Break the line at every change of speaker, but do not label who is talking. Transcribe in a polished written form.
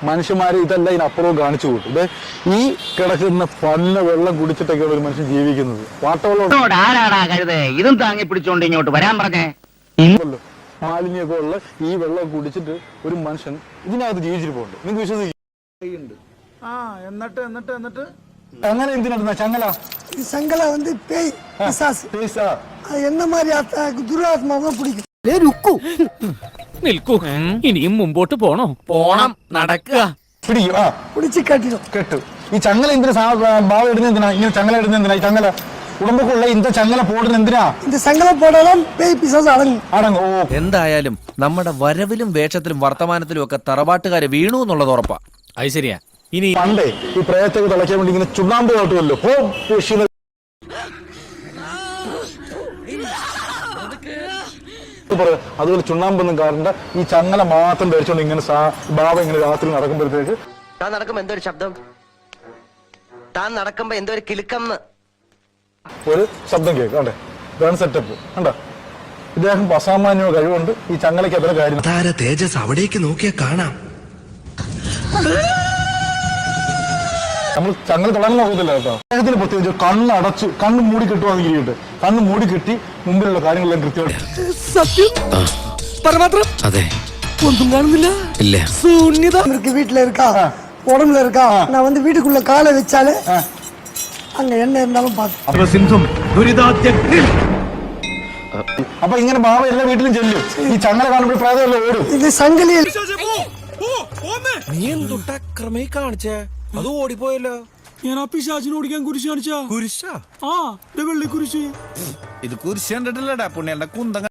മനുഷ്യന്മാരെ ഇതെല്ലാം ഇതിനപ്പുറവും കാണിച്ചു കൂട്ടും. ഇത് ഈ കിടക്കുന്ന പന്ന വെള്ളം കുടിച്ചിട്ടൊക്കെയാണ് ഒരു മനുഷ്യൻ ജീവിക്കുന്നത്. വാട്ടവെള്ളം
ആരാടാ കഴുതേ ഇതും താങ്ങി പിടിച്ചോണ്ട് ഇങ്ങോട്ട് വരാൻ പറഞ്ഞേ.
മാലിന്യമൊക്കെ ഉള്ള ഈ വെള്ളം കുടിച്ചിട്ട് ഒരു മനുഷ്യൻ ഇതിനകത്ത് ജീവിച്ചിരിപ്പുണ്ട്. നിങ്ങൾക്ക് വിശ്വസിക്കും?
എന്നിട്ട്
അങ്ങനെ എന്തിനാ ചങ്ങല?
ഈ சங்கல வந்து பேய் பிசாசு. அது என்ன மாதிரி துராத்மாவை பிடிக்கும்.
നിൽക്കൂ, ഇനിയും മുമ്പോട്ട് പോണം. നടക്കുക.
പിടിച്ച് കെട്ടിടും.
കെട്ടു. ഈ ചങ്ങല എന്തിനാ ബാവ ഇടുന്ന എന്തിനാ? ഇങ്ങനെ ചങ്ങല ഇടുന്ന എന്തിനാ? ഈ ചങ്ങല ഉടമ്പൊക്കെയുള്ള ഇന്ത ചങ്ങല പോടുന്ന എന്തിനാ?
இந்த சங்கல போடாலும் பேய் பிசாசு അടങ്ങും.
അടങ്ങും.
എന്തായാലും നമ്മുടെ വരവിലും വേഷത്തിലും വർത്തമാനത്തിലും ഒക്കെ തറവാട്ടുകാര് വീണു എന്നുള്ളത് ഉറപ്പാ.
അത് ശരിയാ. ഇനി
പണ്ടേ ഈ പ്രേത്തൊക്കെ തിളയ്ക്കാൻ വേണ്ടി ഇങ്ങനെ ചുണ്ണാമ്പ് കാട്ടുമല്ലോ. അതുപോലെ ചുണ്ണാമ്പൊന്നും കാരണ്ട, ഈ ചങ്ങല മാത്രം ധരിച്ചോണ്ട് ഇങ്ങനെ ബാബ ഇങ്ങനെ രാത്രി നടക്കുമ്പോഴത്തേക്ക്
താൻ നടക്കുമ്പോ എന്തോ ഒരു ശബ്ദം, താൻ നടക്കുമ്പോ എന്തോ ഒരു കിലുക്കം
ഒരു ശബ്ദം കേൾക്കും. കണ്ടേ, ഇതാണ് സെറ്റപ്പ്. കണ്ട, ഇദ്ദേഹം അസാമാന്യ കഴിവുണ്ട്. ഈ ചങ്ങലയ്ക്ക് അത്ര കാര്യം.
താര തേജസ് അവിടേക്ക് നോക്കിയാ കാണാം.
നമ്മൾ ചങ്ങല തൊടാൻ നോക്കത്തില്ല കേട്ടോ. അദ്ദേഹത്തിന് പ്രത്യേകിച്ച് കണ്ണടച്ച് കണ്ണ് മൂടി കിട്ടുവാണെങ്കിൽ ഇരിക്കട്ടെ, കണ്ണ് മൂടി കിട്ടി മുമ്പിലുള്ള കാര്യങ്ങളെല്ലാം കൃത്യമായിട്ട്.
സത്യം പരമാത്രം.
അതെ,
ഒന്നും കാണുന്നില്ല.
ഇല്ല.
ശൂന്യത. வீட்டுல இருக்கா, உடம்புல இருக்கா. நான் வந்து வீட்டுக்குள்ள காலை வச்சாலே அங்க என்ன இருந்தாலும் பார்த்து.
അപ്പൊ ഇങ്ങനെ ബാബ എല്ലാ വീട്ടിലും ചെല്ലും. ഈ ചങ്ങല കാണുമ്പോൾ പ്രായതല്ല ഓടും.
ഇത് സംഗലിയിൽ
നീ എന്തുട്ടാ ക്രമേ കാണിച്ചേ? അത് ഓടിപ്പോയല്ലോ.
ഞാൻ ആ പിശാചിനെ ഓടിക്കാൻ കുരിശ് കാണിച്ചാ.
കുരിശാ?
വെള്ളി കുരിശ്.
ഇത് കുരിശ് കണ്ടിട്ടില്ലടാ പുണ്യന്റെ കുന്തങ്ങ.